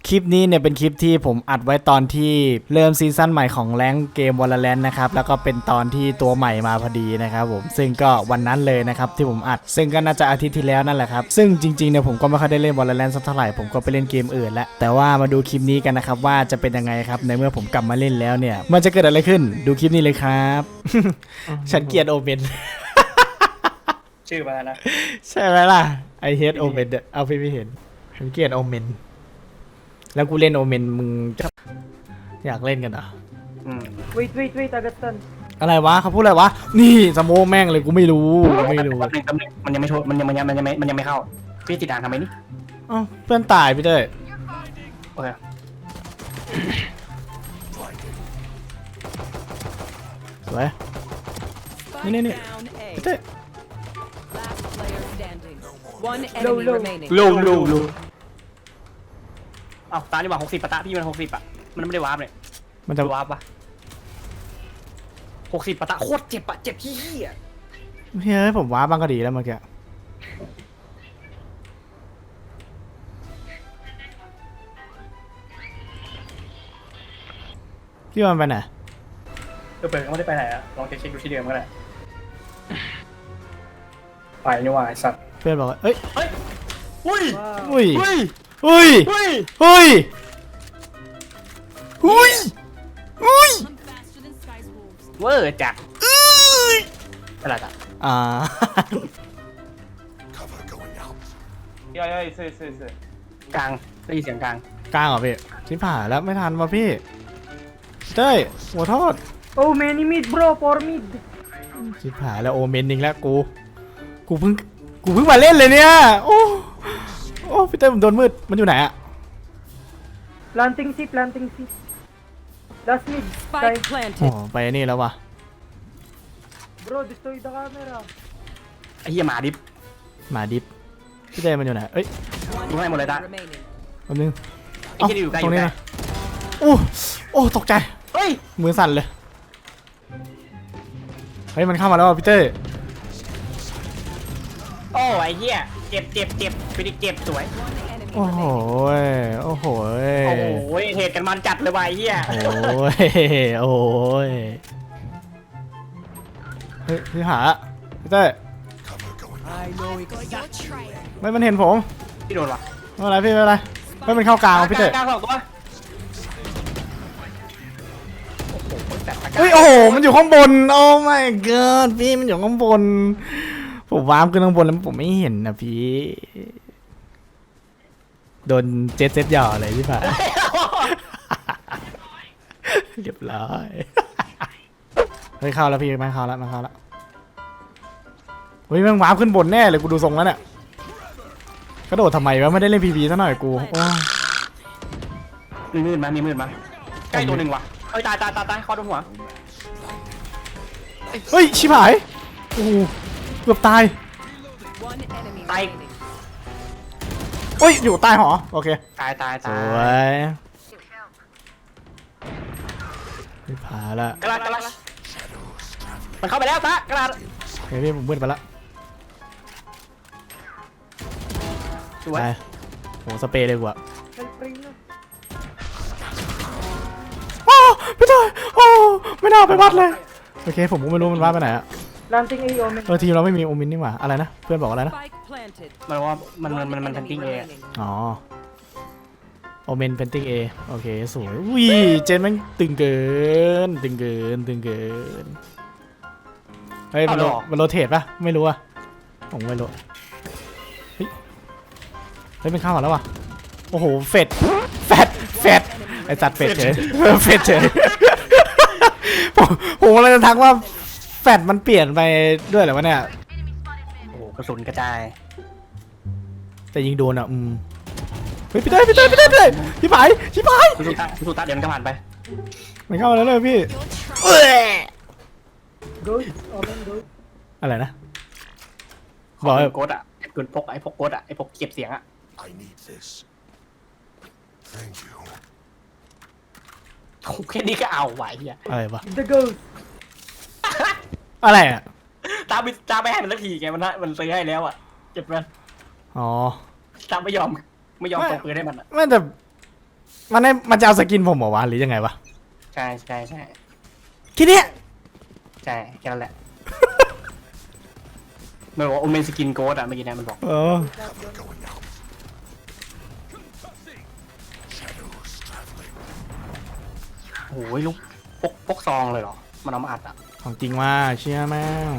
คลิปนี้เนี่ยเป็นคลิปที่ผมอัดไว้ตอนที่เริ่มซีซั่นใหม่ของแรงเกม Valorant นะครับแล้วก็เป็นตอนที่ตัวใหม่มาพอดีนะครับผมซึ่งก็วันนั้นเลยนะครับที่ผมอัดซึ่งก็น่าจะอาทิตย์ที่แล้วนั่นแหละครับซึ่งจริงๆเนี่ยผมก็ไม่ค่อยได้เล่น Valorant สักเท่าไหร่ผมก็ไปเล่นเกมอื่นแล้วแต่ว่ามาดูคลิปนี้กันนะครับว่าจะเป็นยังไงครับในเมื่อผมกลับมาเล่นแล้วเนี่ยมันจะเกิดอะไรขึ้นดูคลิปนี้เลยครับ ฉันเกลียดโอเมนชื่อมาแล้วนะใช่ไหมล่ะไอเฮดโอเมนเอาพี่ไม่เห็นฉันเกลียดโอเมนแล้วกูเล่นโอเมนมึงจะอยากเล่นกันเหรอ wait Augustin อะไรวะเขาพูดอะไรวะนี่สโมแม่งเลยกูไม่รู้ไม่รู้แป๊บนึงมันยังไม่โชว์มันยังไม่เข้าพี่ติดอ่างทำไมนี่อ้าวเพื่อนตายพี่เต้ยโอเคสวยนี่พี่เต้ย One enemy remaining. ลูอ้าวตาดีกว่า60ปะตะพี่มัน60อ่ะมันไม่ได้วาร์ปเลยมันจะวาร์ปปะ60ปะตะโคตรเจ็บอ่ะเจ็บที่อ่ะเฮ้ยผมว้าบ้างก็ดีแล้วเมื่อกี้พี่มันไปไหนเปิดก็ไม่ได้ไปไหนอ่ะลองเช็คดูที่เดิมก็ได้ไปนี่ว่าไอ้สัตว์เพื่อนบอกว่าเอ้ยเฮ้ยอุ้ยอุ้ยอุ้ยอุ้ยอุ้ยอุ้ยอุ้ยอุ้ยเวอร์จัดอะไรกันอ่า 야야 있어 กลางได้ยินเสียงกลางกลางเหรอพี่ชิบหายแล้วไม่ทันว่ะพี่เต้ยหัวโทษ Oh, many mid, bro, for mid. ชิบหายแล้วโอเมนอีกแล้วกูเพิ่งมาเล่นเลยเนี่ยโอ้พี่เต้ยผมโดนมืดมันอยู่ไหนอะ Planting C. Last mid. Spike อ๋อ planted. ไปนี่แล้ววะ Bro, destroy the camera. ไอ้เหี้ยหมาดิบหมาดิฟพี่เต้ยมันอยู่ไหนเอ้ยดูให้หมดเลยตา Remaining. แป๊บนึงไอ้ที่อยู่ใกล้ตรงนี้อยู่ใกล้นะโอ้ตกใจเฮ้ยมือสั่นเลยเฮ้ยมันเข้ามาแล้วว่ะพี่เต้ยโอ้ไอ้เหี้ยเจ็บไปดิเจ็บสวย Enemy โอ้โห remaining. โอ้โหโอ้โหเหตุกันมันจัดเลยว่ะไอ้เหี้ยโอ้ยโอ้ยเฮ้ยพี่หาพี่เต้ยไม่มันเห็นผมที่โดนวะไม่เป็นไรพี่ไม่เป็นไรไม่เป็นเข้ากลางพี่เต้ยกลางสองตัวโอ้โหแต่ตะกร้าเฮ้ยโอ้โหมันอยู่ข้างบนโอ้ my god พี่มันอยู่ข้างบนผมวาร์ปขึ้นข้างบนแล้วผมไม่เห็นนะพี่โดนเจ็ตหย่อเลยพี่ผ่า เรียบร้อยเฮ้ยเข้าแล้วพี่มาเข้าแล้วเฮ้ยแมันวาร์ปขึ้นบนแน่เลยกูดูทรงแล้วเนี่ยกระโดดทำไมวะไม่ได้เล่นพีพีซะหน่อยกูโอ้ยมีมืดมาใกล้ตัวหนึ่งว่ะเอ้ยตายเข้าโดนหัวเฮ้ยชิบหายโอ้โหเกือบตาย One enemy Tay. remaining. เฮ้ยอยู่ใต้หอโอเคตายสวยพี่ผ่าละกระดาษมันเข้าไปแล้วตากระดาษเฮ้ยพี่ผมมืดไปละสวยไปโหสเปรย์เลยกว่า Help ring na. โอ้พี่ต้อยโอ้ไม่น่าไปวัดเลยโอเคผมก็ไม่รู้มันวัดไปไหนอะ Planting A, Omen. ทีมเราไม่มีโอมินนี่หว่าอะไรนะเพื่อนบอกอะไรนะ Spike planted. มันว่ามัน One ทัน enemy ติ้งเอง remaining. อ๋อโอเมนเพนติ้งเอโอเคสวยอุ้ยเจนมันตึงเกินเฮ้ยมันโรเทตปะไม่รู้อะผมไม่รู้เฮ้ยมันเข้ามาแล้วว่ะโอ้โหแฟดไอจัดเฟดเฉยเฟดเฉยผมเลยจะทักว่าแฟดมันเปลี่ยนไปด้วยเหรอวะเนี่ยโอ้โหกระสุนกระจายแต่ยิงโดนอ่ะเฮ้ยพี่เต้ยพี่ผายสุตาเดี๋ยวมันก็ผ่านไปมันเข้ามาแล้วเลยพี่ Ghost, Omen, ghost. อะไรนะบอกให้โกดอ่ะปืนพกไอ้พกโกดอ่ะไอ้พกเก็บเสียงอ่ะ I need this. Thank you. แค่นี้ก็เอาไหวเฮียอะไรวะ The ghost. อะไรอ่ะตาไม่ให้มันสักทีไงมันซื้อให้แล้วอ่ะเจ็บมันอ๋อตาไม่ยอมส่งปืนให้มันอ่ะไม่แต่มันจะเอาสกินผมเหรอวะหรือยังไงวะใช่ใช่ใช่แค่เนี้ยใช่แค่นั้นแหละมันบอกว่าโอเมนสกินโกดอะเมื่อกี้นะมันบอกเออ Going out. Shadows traveling. โอ้ยลูกพกซองเลยเหรอมันเอามาอัดอะของจริงว่าเชื่อแม่ง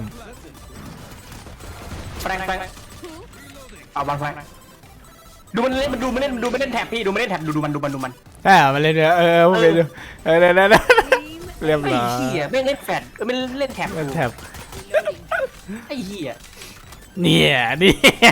แฟงเอาบอลแฟงดูมันเล่นดูมันเล่นแท็บพี่ดูมันเล่นแท็บดูมันแต่มันเล่นเนี่ยผมเล่นอยู่เดี๋ยวเรียบไอ้ร้อยเหี้ยไม่เล่นแฟดไม่เล่นแท็บเล่นแถบไอ้เหี้ยเนี่ยนี่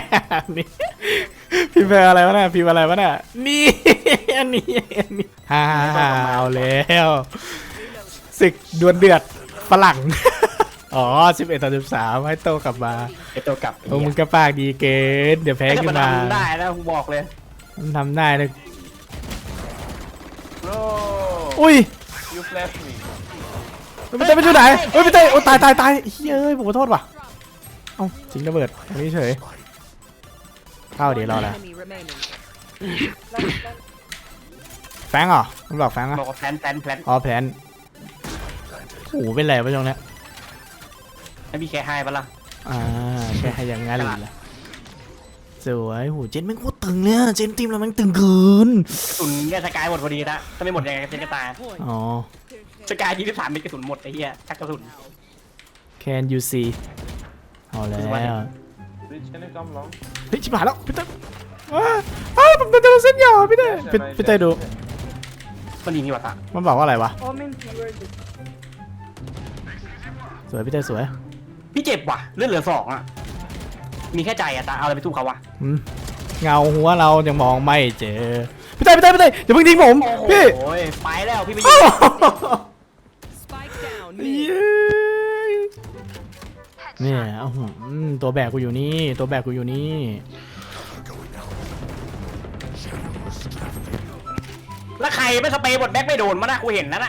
พิมพ์อะไรวะเนี่ยพิมพ์อะไรวะเนี่ยนี่ฮ่าเอาแล้วศึกดวลเดือดฝรั่งอ๋อ11-13ให้โตกลับมาไอ้ตัวกลับโอ้มึงก็ปากดีเกินเดี๋ยวแพ้ไอ้ขึ้มันนมาทำได้แล้วกูบอกเลยมันทำได้เลย No อุ้ย you flash me ไม่เต้ไปดูไหนเฮ้ยไม่เต้โอ้ตายเฮ้ยเอ้ยผมขอโทษว่ะเอ้าจริงระเบิดอันนี้เฉยเข้าเดี๋ยวรอ One แล้ว enemy remaining. แฟงเหรอมันบอกแฟงอ่ะบอกว่าแพลนอ๋อแพลนโอ้โหเป็นไรวะช่วงเนี้ยไม่มีแค่ให้ปะล่ะแค่ให้อย่างงั้นเลยล่ะสวยโหเจนแม่งโคตรตึงเนี่ยเจนทีมเราแม่งตึงเกินกระสุนแค่สกายหมดพอดีนะถ้าไม่หมดยังไงเจนก็ตายอ๋อสกาย23มีกระสุนหมดไอ้เหี้ยชักกระสุน Can you see เอาแล้ว Rich can you come long เฮ้ยชิบหายแล้วพี่เต้ผมจะโดนเส้นหยอพี่เต้พี่เต้ดูมันยิงนี่วะตามันบอกว่าอะไรวะ Omen keyword. สวยพี่เต้สวยพี่เจ็บว่ะเลือดเหลือ2อ่ะมีแค่ใจอะตาเอาอะไรไปสู้เขาวะเงาหัวเรายังมองไม่เจอพี่เต้อย่าเพิ่งทิ้งผมพี่โอ้ยไปแล้วพี่ไปยิโอ้ง Spike down เย้ mid. เนี่ยโอ้โหตัวแบกกูอยู่นี่ตัวแบกกูอยู่นี่ Going out. Shadows traveling. แล้วใครไม่สเปรย์บทแบ็คไม่โดนมานะกูเห็นนั่นน่ะ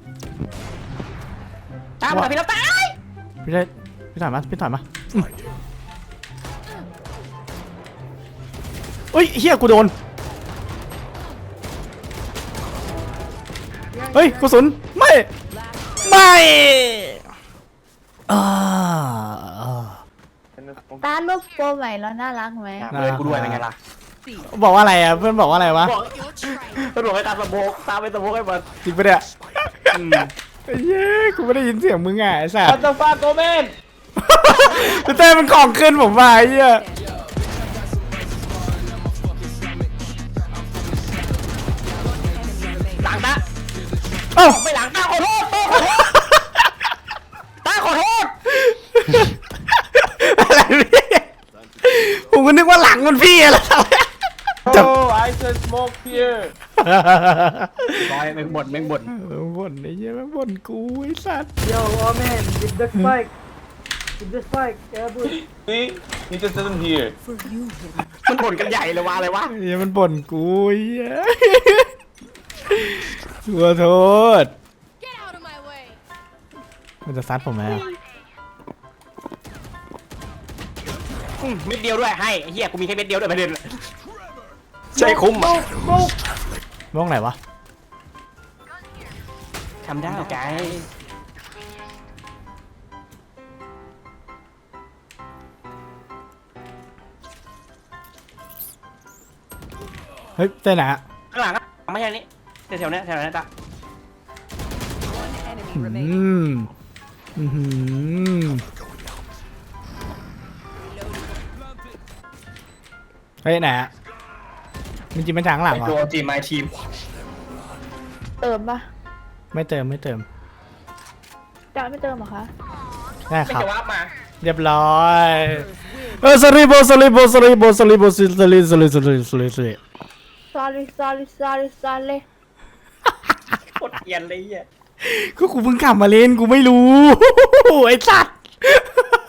ตามมาพี่แล้วตายพี่ได้พี่ถอยมาเฮ้ยเฮียกูโดนเฮ้ยกระสุนไม่อ่า can you smoke ตาลูกโปรใหม่แล้วน่ารักไหมเลยกูด้วยเป็นไงล่ะบอกว่าอะไรอ่ะเพื่อนบอกว่าอะไรวะบอกตำรวจให้ตามสโมกตามไปสโมกให้หมดจริงปะเนี่ยเย้กูไม่ได้ยินเสียงมึงอ่ะไอ้สัส what the fuck Omen พี่เต้มันของขึ้นผมมาไอ้เหี้ยหลังตาเอ้าไม่หลังตาขอโทษตาขอโทษอะไรพี่ผมก็นึกว่าหลังมันพี่อะไรจับ oh I said smoke here ร้อยแม่งบ่นบ่นไอ้เหี้ยแม่งบ่นกูไอ้สัส Yo, Omen, with the spike. With the spike. Yeah, bro. see he just doesn't hear มันบ่นกันใหญ่เลยวะอะไรวะไอ้เหี้ยมันบ่นกูไอ้เหี้ยขอโทษ Get out of my way. มันจะซัดผมไหมอ่ะเม็ดเดียวด้วยให้ไอ้เหี้ยกูมีแค่เม็ดเดียวด้วยประเด็นใช่คุ้มอ่ะมองไหนวะทำได้ไกเฮ้ยเต้นไหนอะข้างหลังอ่ะไม่ใช่นี่แถวๆนี้ตา One enemy อื remaining. มอืม Going out. เฮ้ยไหนอะมันจริงมันทางหลังเหรอตัวทีมไมทีมเติมปะไม่เติมจะไม่เติมเหรอคะได้ไม่ครับจะว่ามาเรียบร้อยสลิโบ sorry sorry sorry กดเกียนเลยอ่ะก็กูเพิ่งกลับมาเล่นกูไม่รู้ ไอ้สัตว์